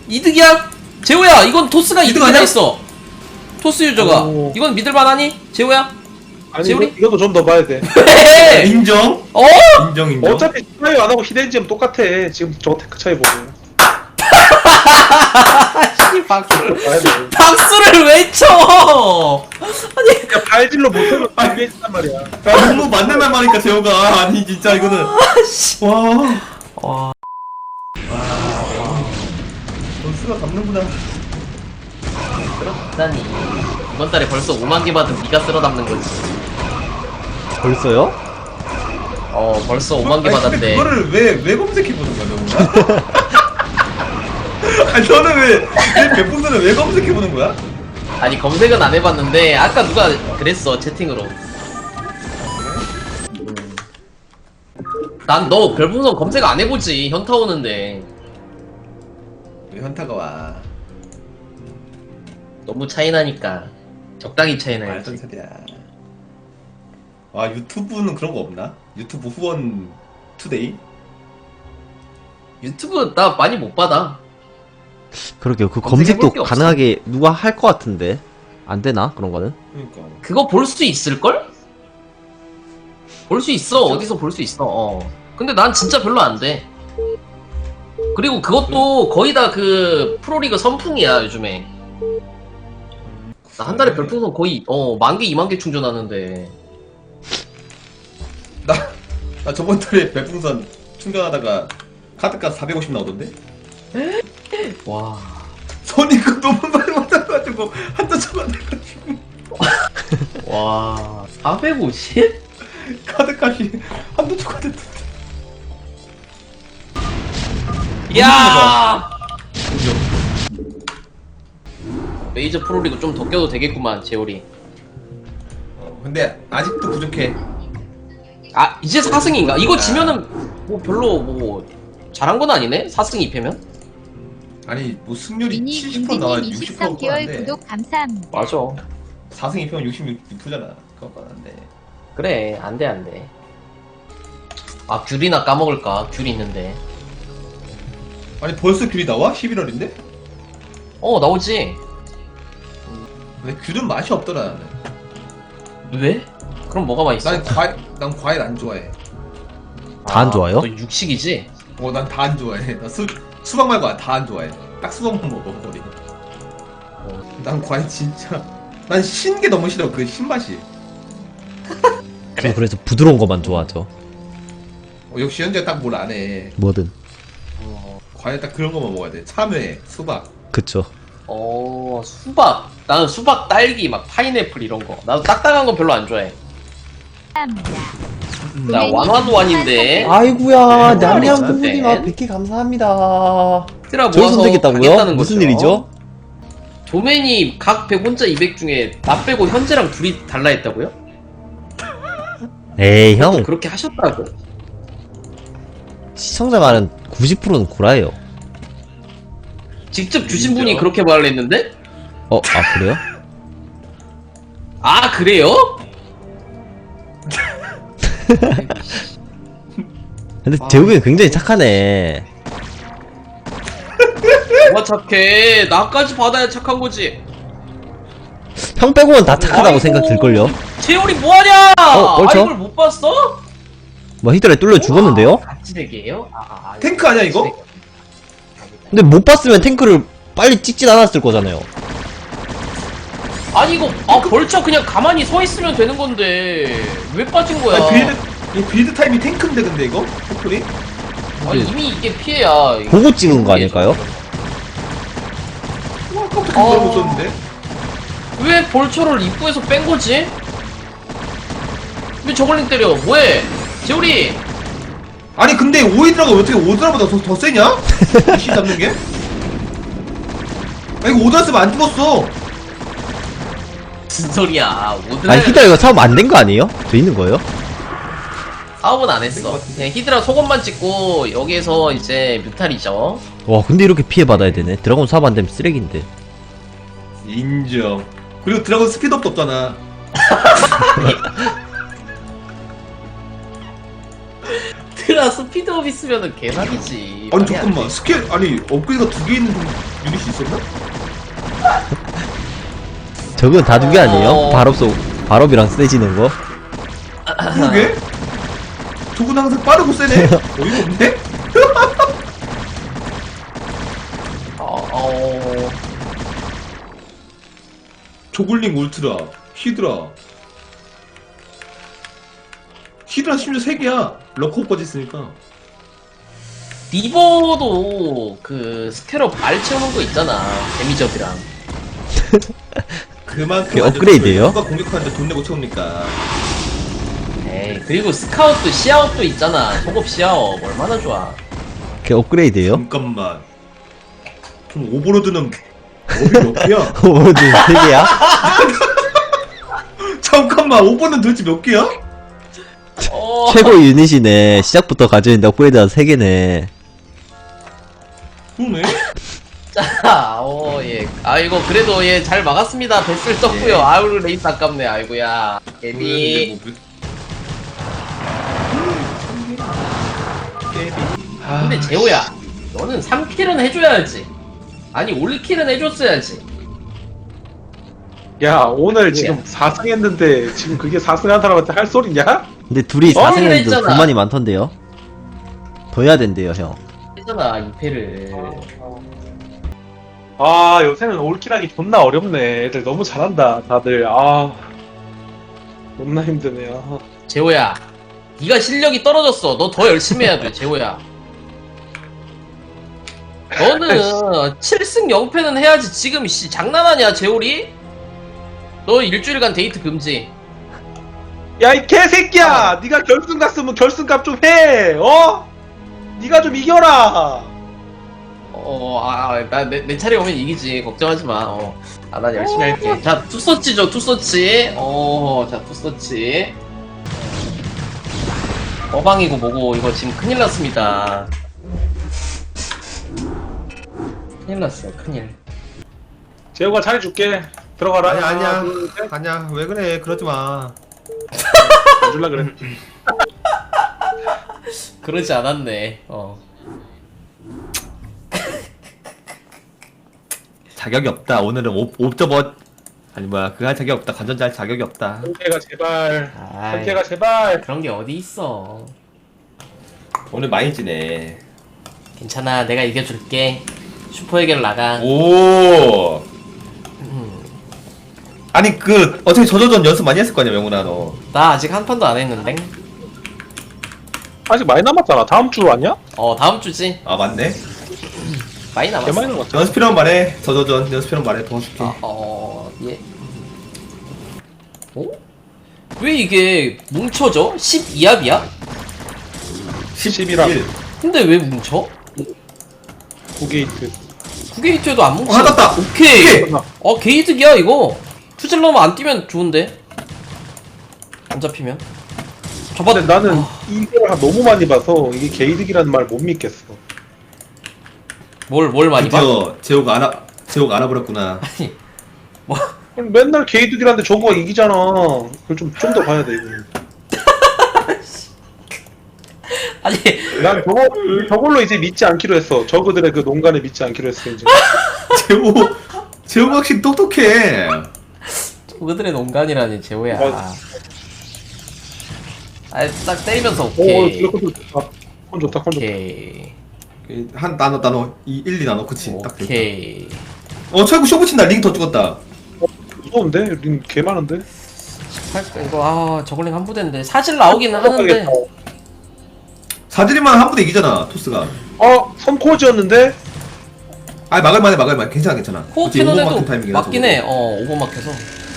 이득이야? 재호야 이건 토스가 이득 이득 하나 아니야? 있어. 토스 유저가. 오. 이건 믿을만하니? 재호야? 아니 재우리? 이것도 좀 더 봐야 돼. 왜? 인정. 어? 인정. 어차피 차이 안 하고 히덴지엄 똑같아. 지금 저 테크 차이 보면. 씨, 박수를. 봐야 돼. 박수를 왜 쳐? 아니. 야 발질로 못하면 이게 있단 말이야. 야, 너무 맞는 말 많으니까 재호가 아니 진짜 이거는 와. 와. 넌 수가 담는구나. 대단히 이번 달에 벌써 5만 개 받은 네가 쓸어 담는 거지. 벌써요? 벌써 5만 개 아니, 받았대. 근데 그거를 왜 검색해 보는 거야, 너가? 아니 너는 왜 백풍선을 왜 검색해 보는 거야? 아니 검색은 안 해봤는데 아까 누가 그랬어 채팅으로. 난 너 별풍선 검색 안 해보지 현타 오는데. 왜 현타가 와? 너무 차이나니까 적당히 차이나야지. 말던 소리야. 아 유튜브는 그런 거 없나? 유튜브 후원 투데이? 유튜브 나 많이 못 받아. 그러게요. 그 검색해볼 검색도 게 없어. 가능하게 누가 할 것 같은데 안 되나 그런 거는? 그러니까. 그거 볼 수 있을걸? 볼 수 있어. 어디서 볼 수 있어. 근데 난 진짜 별로 안 돼. 그리고 그것도 거의 다 그 프로리그 선풍이야 요즘에. 나 한 달에 별풍선 거의 10,000개 20,000개 충전하는데. 나 저번 달에 별풍선 충전하다가 카드값 450 나오던데? 와. 손이 그 너무 많이 받아가지고 한도 쳐받아가지고 와. 450? 카드값이 한도 초과됐던데. 야! 메이저 프로리그 좀 더 껴도 되겠구만 재호리. 근데 아직도 부족해. 아 이제 4승인가? 이거 지면은 뭐 별로 뭐 잘한 건 아니네? 4승 2패면? 아니 뭐 승률이 미니 70% 나와 인디님 60% 23개월 나왔는데 구독 감사합니다. 맞아. 4승 2패면 66%잖아. 그거 안돼. 그래 안돼 안돼. 아 귤이나 까먹을까? 귤 있는데. 아니 벌써 귤이 나와? 11월인데? 나오지. 근데 귤은 맛이 없더라 나는. 왜? 그럼 뭐가 맛있어? 난 과일 안 좋아해. 다 안 좋아요? 너 육식이지? 난 다 안 좋아해. 나 수박 말고 다 안 좋아해. 딱 수박만 먹어 거의. 난 과일 진짜 난 신 게 너무 싫어. 그 신맛이. 저 그래서 부드러운 것만 좋아하죠. 역시 현재 딱 뭘 안 해. 뭐든. 과일 딱 그런 거만 먹어야 돼. 참외, 수박. 그쵸. 수박. 나는 수박, 딸기, 막 파인애플 이런 거. 나도 딱딱한 거 별로 안 좋아해. 감사합니다. 나 완완도안인데. 아이구야 냠냠 부부님아 100개 감사합니다. 히드라 저희 모아서 선택했다고요? 가겠다는 무슨 거죠. 일이죠? 도맨이 각 100 혼자 200 중에 나 빼고 현재랑 둘이 달라 했다고요? 에이 형 그렇게 하셨다고? 시청자 말은 90%는 구라예요. 직접 주신 분이 진짜? 그렇게 말을 했는데? 아 그래요? 아 그래요? 근데 재욱이 굉장히 착하네. 뭐가 착해. 나까지 받아야 착한 거지. 형 빼고는 다 착하다고 아이고, 생각 들걸요? 재열이 뭐하냐? 벌써? 이걸 못 봤어? 뭐 히드라에 뚫려 죽었는데요? 같이 대기예요? 탱크 아니야, 이거? 근데 못 봤으면 탱크를 빨리 찍진 않았을 거잖아요. 아니 이거 벌써 그냥 가만히 서 있으면 되는 건데 왜 빠진 거야? 아니, 빌드 타임이 탱크인데 근데 이거? 포플이? 아니, 이미 이게 피해야. 이거 보고 찍은 거 아닐까요? 와 아까부터 그걸 못 썼는데? 왜 벌초를 입구에서 뺀 거지? 왜 저걸링 때려? 뭐해? 재우리! 아니 근데 오이드라가 어떻게 오드라보다 더 세냐? 씨 잡는 게? 아 이거 오드라 쓰면 안 죽었어. 무슨 소리야? 오드라 아니 히드라 이거 사업 안 된 거 아니에요? 돼 있는 거예요? 사업은 안 했어. 그냥 히드라 속옷만 찍고 여기에서 이제 뮤탈이죠. 와 근데 이렇게 피해 받아야 되네. 드라곤 사업 안 되면 쓰레기인데. 인정. 그리고 드라곤 스피드업도 없잖아. 드라 스피드업 있으면은 개사기지. 아니 잠깐만 스킬 아니 업그레이드가 2개 있는 좀 유닛이 있었나? 저건 다 두 개 아니에요? 어. 발업이랑 세지는 거? 그러게? 저건 항상 빠르고 세네? 어이가 없네? 조글링 울트라, 히드라. 히드라 심지어 3개야. 럭커까지 있으니까. 리버도 그 스캐럽 알 채우는 거 있잖아. 데미저비랑. 그만큼 그게 업그레이드예요? 누가 공격하는데 돈 내고 채웁니까? 에이, 그리고 스카웃도 시야업도 있잖아. 속업 시야업 얼마나 좋아. 그게 업그레이드예요? 잠깐만. 그럼 오버로드는 업이 몇 개야? 오버로드 3개야? 잠깐만, 오버는 도대체 몇 개야? 최고 유닛이네. 시작부터 가져있는데 업그레이드가 3개네. 그러네? 자, 예. 아이고, 그래도 예, 잘 막았습니다. 뱃을 떴고요. 예. 아유, 레이스 아깝네. 아이고야. 개미. 근데 재호야, 너는 3킬은 해줘야지. 아니, 올킬은 해줬어야지. 야 오늘 뭐야? 지금 4승 했는데 지금 그게 4승 한 사람한테 할 소리냐? 근데 둘이 4승 했는데 했잖아. 불만이 많던데요? 더 해야 된대요, 형. 했잖아, 2패를. 아 요새는 올킬하기 존나 어렵네. 애들 너무 잘한다 다들. 아 존나 힘드네. 아. 재호야, 네가 실력이 떨어졌어. 너 더 열심히 해야 돼, 재호야. 너는 7승 0패는 해야지. 지금 씨 장난하냐, 재호리? 너 일주일간 데이트 금지. 야 이 개새끼야! 네가 결승 갔으면 결승값 좀 해! 어? 네가 좀 이겨라! 내 차례 오면 이기지. 걱정하지 마. 난 열심히 할게. 자, 투서치죠, 투서치. 자, 투서치. 어방이고 뭐고, 이거 지금 큰일 났습니다. 큰일 났어요, 큰일. 재호가 잘해줄게. 들어가라. 아니야, 아니야. 하나, 둘, 셋. 아니야, 왜 그래. 그러지 마. 줄라 그래. 그러지 않았네. 자격이 없다. 오늘은 옵저버 아니 뭐야 그거 할 자격이 없다. 관전자 할 자격이 없다. 선태가 제발. 아이, 선태가 제발. 그런 게 어디 있어. 오늘 많이 지네. 괜찮아, 내가 이겨줄게. 슈퍼에게로 나가. 오. 아니 그 어차피 저저전 연습 많이 했을 거 아니야 명훈아 너. 나 아직 한 판도 안 했는데. 아직 많이 남았잖아. 다음 주 아니야? 다음 주지. 아 맞네. 많이 개 남았어. 많이 남았잖아. 연습 필요하면 말해. 저저전 연습 필요하면 말해. 도와줄게. 예. 왜 이게 뭉쳐져? 12합이야? 11합. 근데 왜 뭉쳐? 9게이트. 9게이트에도 안 뭉쳐. 땄다. 오케이. 오케이. 게이득이야 이거. 투질러면 안 뛰면 좋은데. 안 잡히면. 잡아. 근데 나는 이걸 너무 많이 봐서 이게 게이득이라는 말 못 믿겠어. 뭘 많이 봐? 드디어 재호가 알아버렸구나. 아니, 뭐 맨날 게이득이라는데 저거가 이기잖아. 그걸 좀 더 봐야 돼. 이거. 아니 난 저걸로 이제 믿지 않기로 했어. 저그들의 그 농간에 믿지 않기로 했어 이제. 재호가 확실히 똑똑해. 그들의 농간이라니 재호야. 맞아. 딱 때리면서 오, 오케이. 컨 좋다. 컨 좋다. 컨 좋다. 오케이. 한 나눠 1, 2 나눠 그치 딱 됐다. 오케이. 최고 쇼부 친다. 링 더 죽었다. 무서운데? 링 개 많은데? 이거 저글링 한 부대인데 사실 나오기는 하는데. 사들이만 한 부대 이기잖아 토스가. 선코지였는데? 아 막을만해 괜찮아. 코어 그치, 캐논에도 오버마크 타이밍이라 맞긴 해. 오버마크에서.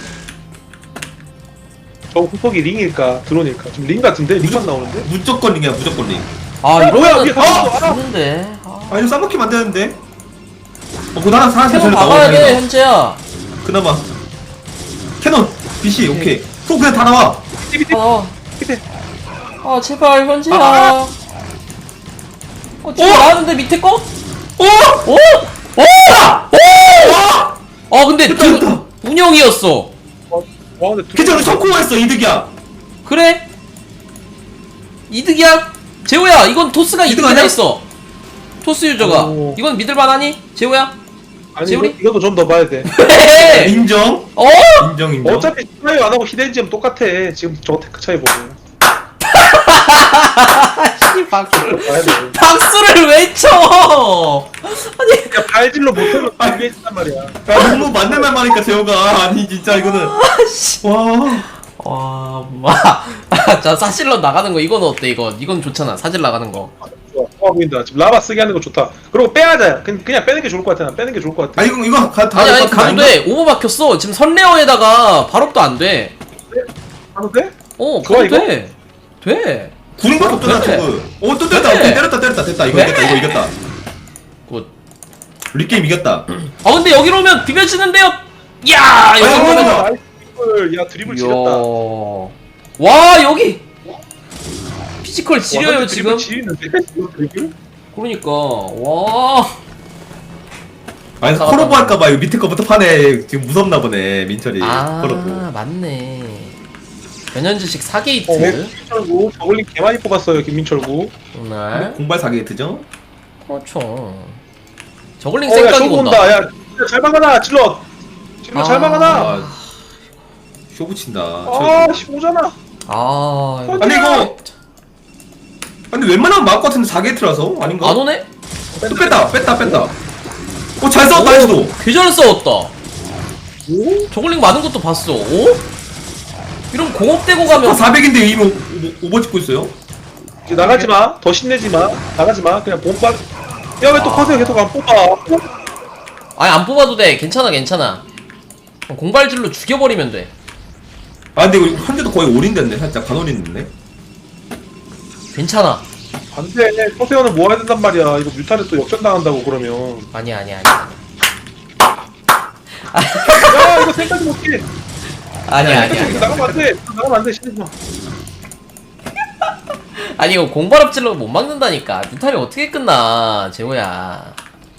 저 후속이 링일까? 드론일까? 지금 링 같은데? 링만 나오는데? 무조건 링이야 무조건 링. 이러면 위에 가서 죽는데. 이거 싸먹히면 안 되는데. 그거 하나 사람한테 캐논 전에 박아야 나와, 돼 다행이다. 현재야. 그나마 캐논 BC 오케이. 또 그냥 다 나와. 밑에. 제발 현재야. 지금 나왔는데 밑에 거? 근데 됐다. 운영이었어. 근데 괜찮아 우리 성공했어 이득이야. 그래? 이득이야? 재호야, 이건 토스가 이득 이득이나 아니야? 있어. 토스 유저가. 오. 이건 믿을만하니? 재호야? 아니 재훈이? 이것도 좀 더 봐야 돼. 왜? 인정. 어? 인정 인정. 어차피 차이 안 하고 히덴지엠 똑같아. 지금 저 테크 차이 보면. 박수를 봐야 돼. 박수를 왜 쳐? 아니 그러니까 발질로 못하면 이게 있단 말이야. 야 너무 맞는 말 말하니까 재호가 아니 진짜 이거는 와. 자 사실로 나가는 거 이건 어때 이거? 이건 좋잖아 사실 나가는 거. 좋아 보인다. 지금 라바 쓰게 하는 거 좋다. 그리고 빼야자. 그냥 빼는 게 좋을 것 같아. 난 빼는 게 좋을 것 같아. 아 이거 다 아니 할 것 가도 같은데 돼. 오버 박혔어. 지금 선레어에다가 발업도 안 돼. 하도 돼? 어 좋아, 가도 이거? 돼. 돼. 구린밖에 없잖아 돼. 저거. 또 때렸다. 돼. 오케이 때렸다. 됐다. 이거 돼. 이겼다. 이거 이겼다. 굿. 리게임 이겼다. 아 근데 여기로 오면 비벼지는데요. 야 여기 아이고, 오면 나이스 드리블. 야 드리블 지렸다. 와 여기 피지컬 지려요 지금. 지리는데? 이거 드리블? 그러니까 와. 아니 맞다, 코로보 맞다. 할까봐 이거 밑에 거부터 파네. 지금 무섭나 보네 민철이. 아 코로보. 맞네. 변현주식 4게이트 김민철구 저글링 개 많이 뽑았어요 김민철구. 오늘 공발 4게이트죠? 그렇죠. 저글링 야 생각이 쇼부 온다. 온다. 야 잘 막아놔 질럿. 질럿 잘 아. 막아놔. 아, 쇼 붙인다. 아 15잖아. 아 이거 아니 이거 근데 웬만하면 막을 것 같은데 4게이트라서 아닌가? 안 오네? 또 뺐다. 잘 싸웠다 해도. 개 잘 싸웠다. 오? 저글링 많은 것도 봤어. 오? 이러면 공업되고 가면 400인데 이미 오버 찍고 있어요. 이제 나가지 마. 더 신내지 마. 나가지 마. 그냥 본방. 야 왜 또 커세요 계속 안 뽑아? 아니 안 뽑아도 돼. 괜찮아. 공발질로 죽여버리면 돼. 아 근데 이거 현재도 거의 올인 됐네. 살짝 반올인 됐네. 괜찮아. 안돼. 커세어는 모아야 된단 말이야. 이거 뮤탈에 또 역전 당한다고 그러면. 아니야. 야 이거 생각이 못해. 아니야. 나가면 안 돼. 나가면 안 돼. 신내지 마. 아니 이거 공발업질로 못 막는다니까. 뮤탈이 어떻게 끝나 재호야.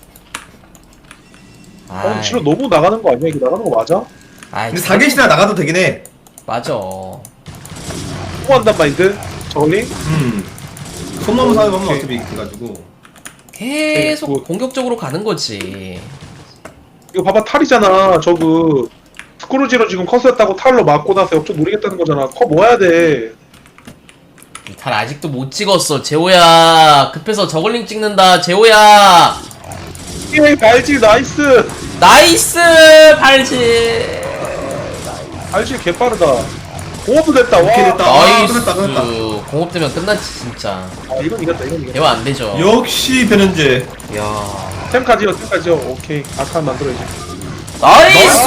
아니 질럿 너무 나가는 거 아니야? 이거 나가는 거 맞아? 아이, 근데 4게이트나 나가도 되긴 해. 맞아. 통한단 마인드. 저글링. 손 넘은 사람이 하면 어차피 해가지고. 계속 뭐. 공격적으로 가는 거지. 이거 봐봐 탈이잖아. 저그 스크루지로 지금 컷이었다고 탈로 맞고 나서 역전 노리겠다는 거잖아. 컷 모아야 돼. 뮤탈 아직도 못 찍었어 재호야. 급해서 저글링 찍는다 재호야. 예, 발질 나이스. 나이스 발질. 발질 개빠르다. 공업도 됐다. 와. 오케이, 됐다. 나이스. 끝났다. 공업되면 끝났지 진짜. 아, 이건 이겼다. 이건 이겼다. 대화 안 되죠. 역시 변현재. 야. 템까지요. 오케이. 아칸 만들어야지. 나이스.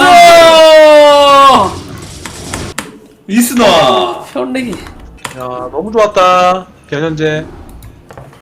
이스나. 편리기. 야, 너무 좋았다. 변현재.